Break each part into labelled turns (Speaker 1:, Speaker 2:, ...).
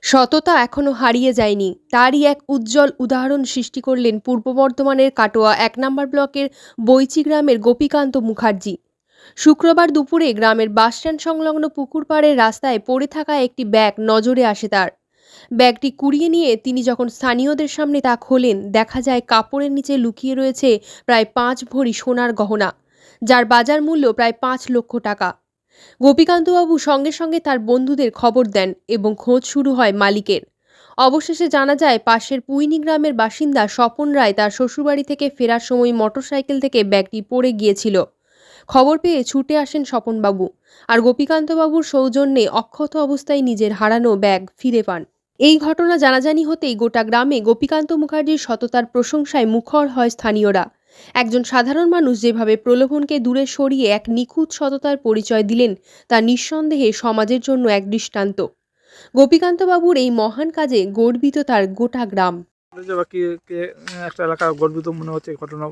Speaker 1: সততা এখনো হারিয়ে যায়নি, তারই এক উজ্জ্বল উদাহরণ সৃষ্টি করলেন পূর্ব বর্ধমানের কাটোয়া ১ নম্বর ব্লকের বৈচি গ্রামের গোপীকান্ত মুখার্জি। শুক্রবার দুপুরে গ্রামের বাসস্ট্যান্ড সংলগ্ন পুকুর পাড়ের রাস্তায় পড়ে থাকা একটি ব্যাগ নজরে আসে তার। ব্যাগটি কুড়িয়ে নিয়ে তিনি যখন স্থানীয়দের সামনে তা খোলেন, দেখা যায় কাপড়ের নিচে লুকিয়ে রয়েছে প্রায় ৫ ভরি সোনার গহনা, যার বাজার মূল্য প্রায় ৫ লক্ষ টাকা। গোপীকান্তবাবু সঙ্গে সঙ্গে তার বন্ধুদের খবর দেন এবং খোঁজ শুরু হয় মালিকের। অবশেষে জানা যায় পাশের পুইনি গ্রামের বাসিন্দা স্বপন রায় তার শ্বশুরবাড়ি থেকে ফেরার সময় মোটরসাইকেল থেকে ব্যাগটি পড়ে গিয়েছিল। খবর পেয়ে ছুটে আসেন স্বপনবাবু, আর গোপীকান্তবাবুর সৌজন্যে অক্ষত অবস্থায় নিজের হারানো ব্যাগ ফিরে পান। এই ঘটনা জানাজানি হতেই গোটা গ্রামে গোপীকান্ত মুখার্জির সততার প্রশংসায় মুখর হয় স্থানীয়রা। একজন সাধারণ মানুষ যেভাবে প্রলোভনকে দূরে সরিয়ে এক নিখুঁত সততার পরিচয় দিলেন, তা নিঃসন্দেহে সমাজের জন্য এক দৃষ্টান্ত। গোপীকান্তবাবুর এই মহান কাজে গর্বিত তার গোটা গ্রাম।
Speaker 2: একটা এলাকা গর্বিত মনে হচ্ছে ঘটনা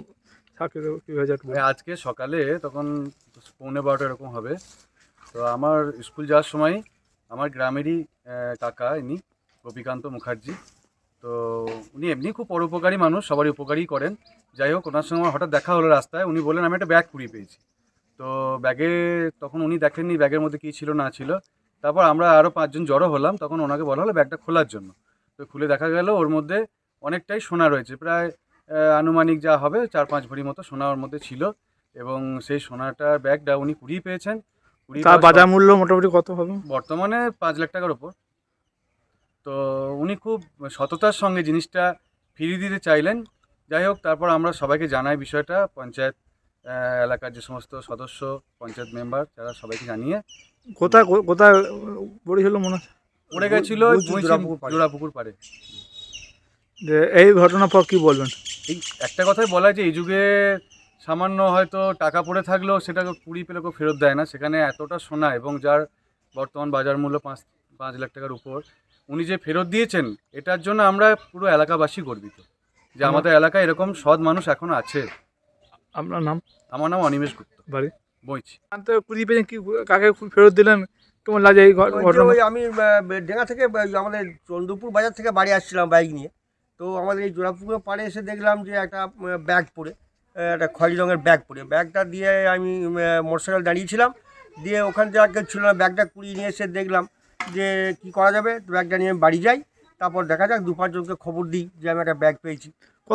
Speaker 3: আজকে সকালে তখন 12:15 এরকম হবে। তো আমার স্কুল যাওয়ার সময় আমার গ্রামেরই কাকা, ইনি গোপীকান্ত মুখার্জি। তো উনি এমনি খুব পরোপকারী মানুষ, সবারই উপকারই করেন। যাই হোক, ওনার সঙ্গে আমার হঠাৎ দেখা হলো রাস্তায়। উনি বললেন আমি একটা ব্যাগ কুড়িয়ে পেয়েছি। তো ব্যাগে তখন উনি দেখেননি ব্যাগের মধ্যে কী ছিল না ছিল। তারপর আমরা আরও 5 জন জড়ো হলাম, তখন ওনাকে বলা হলো ব্যাগটা খোলার জন্য। তো খুলে দেখা গেল ওর মধ্যে অনেকটাই সোনা রয়েছে, প্রায় আনুমানিক যা হবে 4-5 ভরি মতো সোনা ওর মধ্যে ছিল। এবং সেই সোনাটার ব্যাগটা উনি কুড়িয়ে পেয়েছেন।
Speaker 2: তার বাজার মূল্য মোটামুটি কত হবে?
Speaker 3: বর্তমানে 5 লাখ টাকার ওপর। তো উনি খুব সততার সঙ্গে জিনিসটা ফিরিয়ে দিতে চাইলেন। যাই হোক, তারপর আমরা সবাইকে জানাই বিষয়টা, পঞ্চায়েত এলাকার যে সমস্ত সদস্য, পঞ্চায়েত মেম্বার, যারা সবাইকে জানিয়ে।
Speaker 2: কোথায় কোথায় পড়েছিল মনে হচ্ছে?
Speaker 3: পড়ে গেছিল জোড়াপুকুর পাড়ে।
Speaker 2: যে এই ঘটনার পর কী বলবেন?
Speaker 3: এই একটা কথাই বলা, যে এই যুগে সামান্য হয়তো টাকা পড়ে থাকলেও সেটাকে কুড়িয়ে পেলে কেউ ফেরত দেয় না, সেখানে এতটা সোনা এবং যার বর্তমান বাজার মূল্য 5 লাখ টাকার উপর উনি যে ফেরত দিয়েছেন, এটার জন্য আমরা পুরো এলাকাবাসী গর্বিত যে আমাদের এলাকায় এরকম সৎ মানুষ এখনো আছে।
Speaker 2: আপনার নাম?
Speaker 3: আমার নাম অনিমেষ গুপ্ত,
Speaker 2: বাড়ি
Speaker 3: বইছি।
Speaker 2: কুড়িয়ে পেয়েছেন, কি কাকে ফেরত দিলেন, কেমন লাগে এই ঘটনা?
Speaker 4: আমি ডেঙ্গা থেকে আমাদের চন্দ্রপুর বাজার থেকে বাড়ি আসছিলাম বাইক নিয়ে। তো আমাদের এই জোড়াপুকুরের পাড়ে এসে দেখলাম যে একটা ব্যাগ পড়ে, একটা খয়েরি রঙের ব্যাগ পড়ে। ব্যাগটা দিয়ে আমি মোটরসাইকেল দাঁড়িয়েছিলাম, দিয়ে ওখান থেকে আর কেউ ছিল না। ব্যাগটা কুড়িয়ে নিয়ে এসে দেখলাম যে কী করা যাবে, ব্যাগটা নিয়ে বাড়ি যাই। তারপর দেখা যাক 2-5 জনকে খবর দিই যে আমি একটা ব্যাগ পেয়েছি।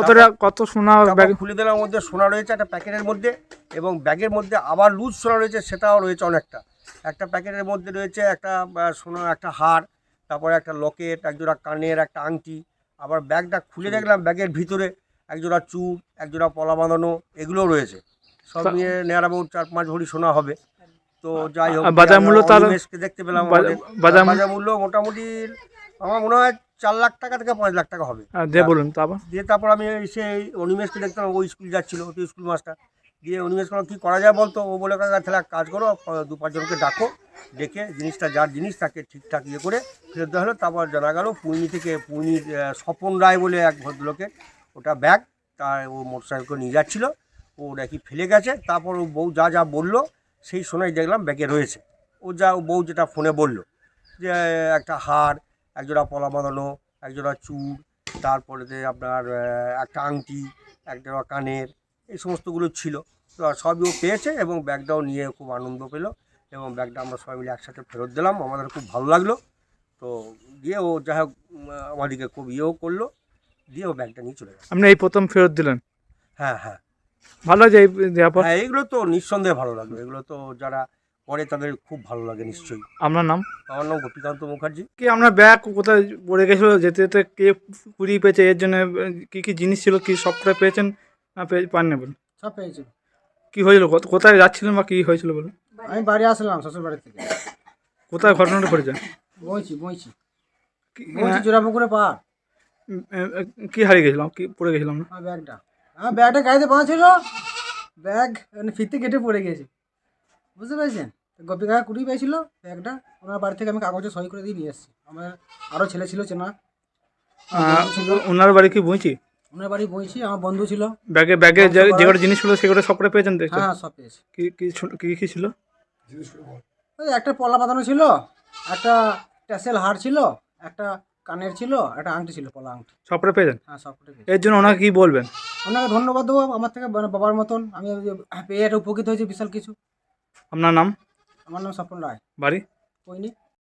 Speaker 2: কত সোনা ব্যাগ?
Speaker 4: খুলে দিলাম, মধ্যে সোনা রয়েছে একটা প্যাকেটের মধ্যে, এবং ব্যাগের মধ্যে আবার লুজ সোনা রয়েছে, সেটাও রয়েছে অনেকটা। একটা প্যাকেটের মধ্যে রয়েছে একটা সোনা, একটা হার, তারপরে একটা লকেট, একজোড়া কানের একটা আংটি। আবার ব্যাগটা খুলে দেখলাম ব্যাগের ভিতরে একজোড়া চুড়, একজোড়া পলা বাঁধানো, এগুলোও রয়েছে। সব নিয়ে নেয়ার আবার 4-5 ভরি সোনা হবে। তো যাই হোক,
Speaker 2: বাজার মূল্য
Speaker 4: দেখতে পেলাম বাজার মূল্য মোটামুটি আমার মনে হয় 4 লাখ টাকা থেকে 5 লাখ টাকা হবে।
Speaker 2: বলুন।
Speaker 4: তারপর আমি এসে অনিমেষকে দেখতাম, ও স্কুল যাচ্ছিল, ও তো স্কুল মাস্টার। দিয়ে অনিমেষ কোনো কী করা যায় বলতো, ও বলে কাকা তাহলে এক কাজ করো, 2-5 জনকে ডাকো, ডেকে জিনিসটা যার জিনিস তাকে ঠিকঠাক করে ফেরত দেওয়া হলো। তারপর জানা গেল পুইনির স্বপন রায় বলে এক ভদ্রলোকের ওটা ব্যাগ, তার ও মোটরসাইকেল নিয়ে যাচ্ছিলো, ও নাকি ফেলে গেছে। তারপর ও বউ যা বললো সেই সময় দেখলাম ব্যাগে রয়েছে। ও বউ যেটা ফোনে বললো যে একটা হার, একজোড়া পলা বাঁধানো, একজোড়া চুড়, তারপরে আপনার একটা আংটি, একজোড়া কানের, এই সমস্তগুলো ছিল। তো সবই ও পেয়েছে এবং ব্যাগটাও নিয়ে খুব আনন্দ পেল, এবং ব্যাগটা আমরা সবাই মিলে একসাথে ফেরত দিলাম। আমাদের খুব ভালো লাগলো। তো দিয়ে ও যাই হোক আমাদেরকে খুব ইয়েও করলো, দিয়ে ও ব্যাগটা নিয়ে চলে গেল।
Speaker 2: আপনি এই প্রথম ফেরত দিলেন?
Speaker 4: হ্যাঁ,
Speaker 2: ভালো লাগে
Speaker 4: হ্যাঁ, এগুলো তো নিঃসন্দেহে ভালো লাগলো। এগুলো তো যারা করে তাদের খুব ভালো লাগে নিশ্চয়ই।
Speaker 2: আপনার নাম?
Speaker 4: আমার নাম গোপীকান্ত মুখার্জি।
Speaker 2: কি আপনার ব্যাগ কোথায় পড়ে গেছিলো, যেতে যেতে কে কুড়িয়ে পেয়েছে, এর জন্য কী জিনিস ছিল, কি সবটা পেয়েছেন না পাননি? বলুন।
Speaker 5: সব পেয়েছি।
Speaker 2: কী হয়েছিল, কোথায় যাচ্ছিলেন বা কী হয়েছিল বলুন?
Speaker 5: আমি বাড়ি আসলাম শ্বশুর বাড়ি থেকে।
Speaker 2: কোথায় ঘটনাটা ঘটেছে?
Speaker 5: বইছি জোড়াপুকুরে পার।
Speaker 2: কি হারিয়ে গেছিলাম, কি পড়ে গেছিলাম না?
Speaker 5: ব্যাগটা গাড়িতে বাঁধা ছিল, ব্যাগ ফিরতে কেটে পড়ে গেছে, বুঝতে পেরেছেন? গোপী কাকা কুড়িয়ে পেয়েছিল ব্যাগটা, ওনার বাড়ি থেকে আমি কাগজে সই করে দিয়ে নিয়ে এসেছি। আমার আরও ছেলে ছিল চেনা ছিল।
Speaker 2: ওনার বাড়ি কি বইছি?
Speaker 5: ওনার বাড়ি বইছি, আমার বন্ধু ছিল।
Speaker 2: ব্যাগে যেগুলো জিনিসগুলো সেগুলো সব করে পেয়েছেন?
Speaker 5: হ্যাঁ, সব পেয়েছি।
Speaker 2: কি ছিল?
Speaker 5: ওই একটা পলা বাঁধানো ছিল, একটা ট্যাসেল হার ছিল, একটা কানের ছিল, একটা আংটি ছিল, পলা আংটি।
Speaker 2: সবটা পেয়েছেন?
Speaker 5: হ্যাঁ, সবকটাই পেয়েছি।
Speaker 2: এর জন্য ওনাকে কি বলবেন?
Speaker 5: ওনাকে ধন্যবাদ দেবো, আমার থেকে বাবার মতন আমি পেয়ে একটা উপকৃত হয়েছি বিশাল কিছু।
Speaker 2: আপনার নাম,
Speaker 5: আমার নাম স্বপন রায়,
Speaker 2: বাড়ি?
Speaker 5: কইনি।